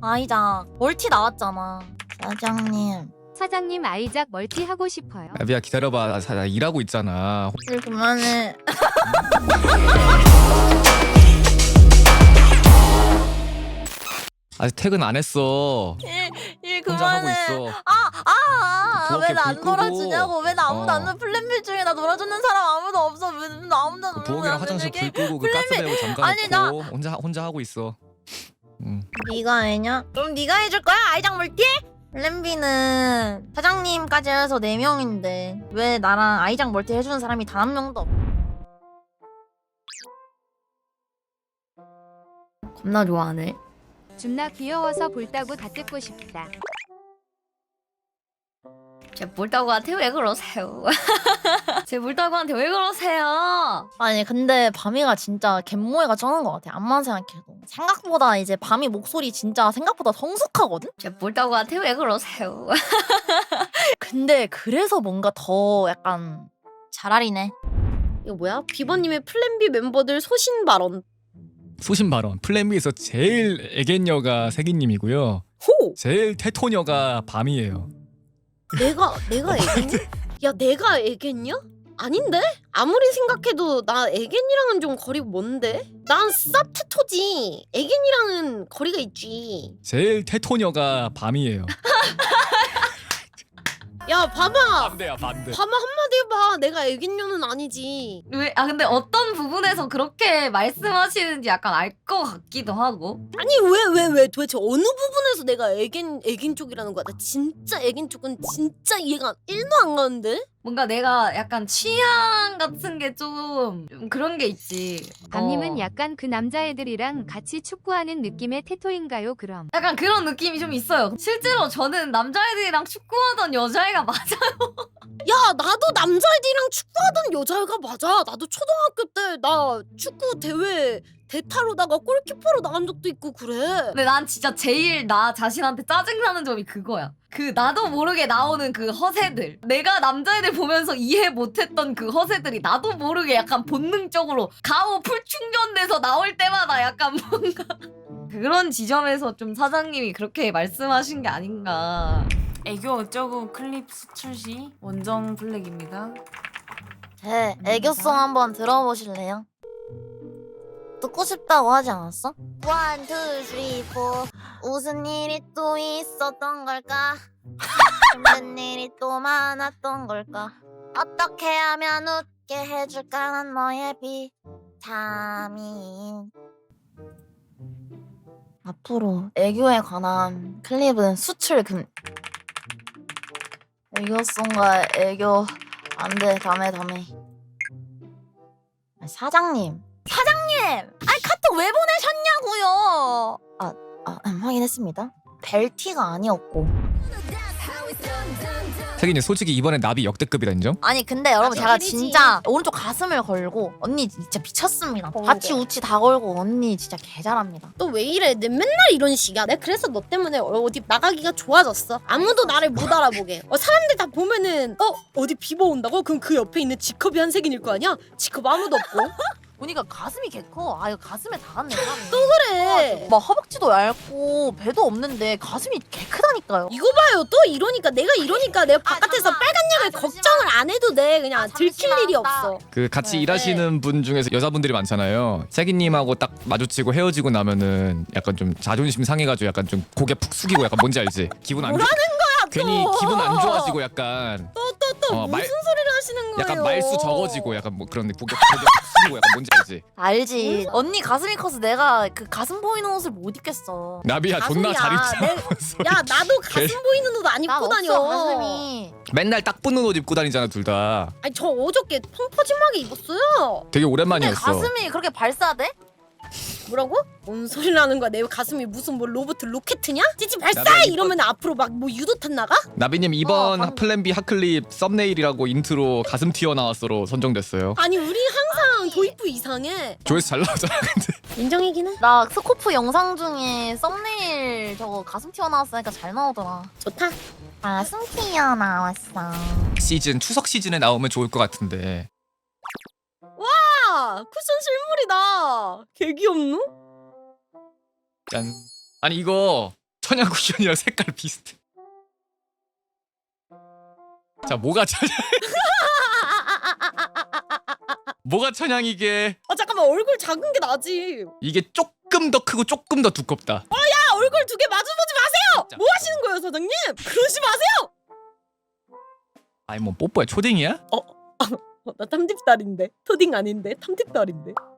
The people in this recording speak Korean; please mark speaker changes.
Speaker 1: 아이작 멀티 나왔잖아. 사장님.
Speaker 2: 사장님 아이작 멀티 하고 싶어요.
Speaker 3: 나비야 기다려봐. 나 일하고 있잖아.
Speaker 1: 일 그만해.
Speaker 3: 아직 퇴근 안 했어.
Speaker 1: 일
Speaker 3: 혼자 하고
Speaker 1: 그만해.
Speaker 3: 있어.
Speaker 1: 왜
Speaker 3: 부엌에
Speaker 1: 나 안
Speaker 3: 불 끄고.
Speaker 1: 놀아주냐고. 왜 나 아무도 안 놀아. 플랜 B 중에 나 놀아주는 사람 아무도 없어. 왜 나 아무도
Speaker 3: 그 부엌이랑 화장실 불 끄고 그 가스 배고 잠가
Speaker 1: 아니,
Speaker 3: 놓고 혼자 하고 있어.
Speaker 1: 네가 해냐? 그럼 네가 해줄 거야? 아이작 멀티? 플랜 B는 사장님까지 해서 4명인데 왜 나랑 아이작 멀티 해주는 사람이 단 한 명도 없. 겁나 좋아하네.
Speaker 2: 존나 귀여워서 볼따구 다 뜯고 싶다.
Speaker 1: 제 물다구한테 왜 그러세요? 제 물다구한테 왜 그러세요? 아니 근데 밤이가 진짜 갯모애가 쩌는 것 같아. 암만 생각해도 생각보다 이제 밤이 목소리 진짜 생각보다 성숙하거든? 제 물다구한테 왜 그러세요? 근데 그래서 뭔가 더 약간 잘알이네.
Speaker 4: 이거 뭐야? 비버님의 플랜 B 멤버들 소신 발언.
Speaker 3: 소신 발언. 플랜 B에서 제일 애견녀가 세기님이고요.
Speaker 4: 호!
Speaker 3: 제일 테토녀가 밤이에요.
Speaker 4: 내가 애견이? 야 내가 애견이야? 아닌데? 아무리 생각해도 나 애견이랑은 좀 거리가 먼데? 난 쌉테토지. 애견이랑은 거리가 있지.
Speaker 3: 제일 테토녀가 밤이에요.
Speaker 4: 야 봐봐.
Speaker 3: 반대야 반대.
Speaker 4: 봐봐 한마디 해봐. 내가 애견녀는 아니지.
Speaker 1: 왜? 아 근데 어떤 부분에서 그렇게 말씀하시는지 약간 알 것 같기도 하고.
Speaker 4: 아니 왜 도대체 어느 부분에서 내가 애견 쪽이라는 거야? 나 진짜 애견 쪽은 진짜 이해가 1도 안 가는데?
Speaker 1: 뭔가 내가 약간 취향 같은 게 좀 그런 게 있지.
Speaker 2: 밤님은 약간 그 남자애들이랑 같이 축구하는 느낌의 테토인가요 그럼?
Speaker 1: 약간 그런 느낌이 좀 있어요. 실제로 저는 남자애들이랑 축구하던 여자애가 맞아요.
Speaker 4: 야 나도 남자애들이랑 축구하던 여자애가 맞아. 나도 초등학교 때 나 축구 대회 대타로다가 골키퍼로 나간 적도 있고 그래.
Speaker 1: 근데 난 진짜 제일 나 자신한테 짜증나는 점이 그거야. 그 나도 모르게 나오는 그 허세들. 내가 남자애들 보면서 이해 못했던 그 허세들이 나도 모르게 약간 본능적으로 가오 풀충전돼서 나올 때마다 약간 뭔가 그런 지점에서 좀 사장님이 그렇게 말씀하신 게 아닌가.
Speaker 5: 애교 어쩌고 클립 수출 시 원정 블랙입니다.
Speaker 1: 제 애교송 한번 들어보실래요? 듣고 싶다고 하지 않았어? 1, 2, 3, 4 무슨 일이 또 있었던 걸까? 힘든 일이 또 많았던 걸까? 어떻게 하면 웃게 해줄까 난 너의 비타민. 앞으로 애교에 관한 클립은 수출 금. 애교송과 애교 안돼 다음에 사장님 아니 카톡 왜 보내셨냐고요. 확인했습니다. 벨티가 아니었고.
Speaker 3: 세기님 솔직히 이번에 나비 역대급이라 인정?
Speaker 1: 아니 근데 여러분 제가
Speaker 4: 벨이지.
Speaker 1: 진짜 오른쪽 가슴을 걸고 언니 진짜 미쳤습니다.
Speaker 4: 어,
Speaker 1: 바치
Speaker 4: 네.
Speaker 1: 우치 다 걸고 언니 진짜 개잘합니다.
Speaker 4: 너 왜 이래? 내 맨날 이런 식이야. 내가 그래서 너 때문에 어디 나가기가 좋아졌어. 아무도 나를 못 알아보게. 사람들 다 보면은 어디 비버 온다고? 그럼 그 옆에 있는 지컵이 한색인일 거 아니야? 지컵 아무도 없고.
Speaker 1: 보니까 가슴이 개 커. 아 이거 가슴에 다 갔네 사람이.
Speaker 4: 그래.
Speaker 1: 막 허벅지도 얇고 배도 없는데 가슴이 개 크다니까요.
Speaker 4: 이거 봐요. 또 이러니까 내가 내가 바깥에서
Speaker 1: 잠깐.
Speaker 4: 빨간 약을
Speaker 1: 잠시만.
Speaker 4: 걱정을 안 해도 돼. 그냥 들킬
Speaker 1: 잠시만.
Speaker 4: 일이 없어.
Speaker 3: 그 같이
Speaker 1: 네.
Speaker 3: 일하시는 분 중에서 여자분들이 많잖아요. 세기님하고 딱 마주치고 헤어지고 나면은 약간 좀 자존심 상해가지고 약간 좀 고개 푹 숙이고 약간 뭔지 알지? 기분 안 좋아. 괜히 기분 안 좋아지고 약간
Speaker 4: 또
Speaker 3: 말-
Speaker 4: 무슨 소리를 하시는 거예요?
Speaker 3: 약간 말수 적어지고 약간 뭐 그런 고개 푹 숙이고 약간 뭔지 알지?
Speaker 1: 알지. 언니 가슴이 커서 내가 그 가슴 보이는 옷을 못 입겠어.
Speaker 3: 나비야 존나 잘
Speaker 1: 가슴이야.
Speaker 3: 입잖아.
Speaker 4: 야 나도 가슴 보이는 옷 안
Speaker 1: 난
Speaker 4: 입고 다녀.
Speaker 1: 없어 가슴이.
Speaker 3: 맨날 딱 붙는 옷 입고 다니잖아 둘 다.
Speaker 4: 아니 저 어저께 펑퍼짐하게 입었어요.
Speaker 3: 되게
Speaker 1: 근데
Speaker 3: 오랜만이었어.
Speaker 1: 가슴이 그렇게 발사돼?
Speaker 4: 뭐라고? 뭔 소리를 하는 거야? 내 가슴이 무슨 뭐 로봇 로켓이냐? 찌찌 발사!
Speaker 3: 나도
Speaker 4: 이러면 앞으로 막 뭐 유도탄 나가?
Speaker 3: 나비님 이번
Speaker 1: 방금.
Speaker 3: 플랜 B 핫클립 썸네일이라고 인트로 가슴 튀어나왔어로 선정됐어요.
Speaker 4: 아니 우리 항상 도입부 이상해.
Speaker 3: 조회수 잘 나오잖아 근데.
Speaker 4: 인정이긴 해.
Speaker 1: 나 스코프 영상 중에 썸네일 저거 가슴 튀어나왔으니까 잘 나오더라.
Speaker 4: 좋다.
Speaker 1: 가슴 튀어나왔어.
Speaker 3: 시즌 추석 시즌에 나오면 좋을 것 같은데.
Speaker 4: 아 쿠션 실물이다. 개 귀엽노?
Speaker 3: 짠. 아니 이거 천양 쿠션이랑 색깔 비슷해. 자 뭐가 천양? 뭐가 천양이게?
Speaker 4: 아 잠깐만 얼굴 작은 게 나지.
Speaker 3: 이게 조금 더 크고 조금 더 두껍다.
Speaker 4: 야 얼굴 두 개 마주보지 마세요.
Speaker 3: 자,
Speaker 4: 뭐 하시는 거예요 사장님? 그러지 마세요.
Speaker 3: 아니 뭐 뽀뽀야 초딩이야?
Speaker 4: 나 탐tip달인데 토딩 아닌데 탐tip달인데.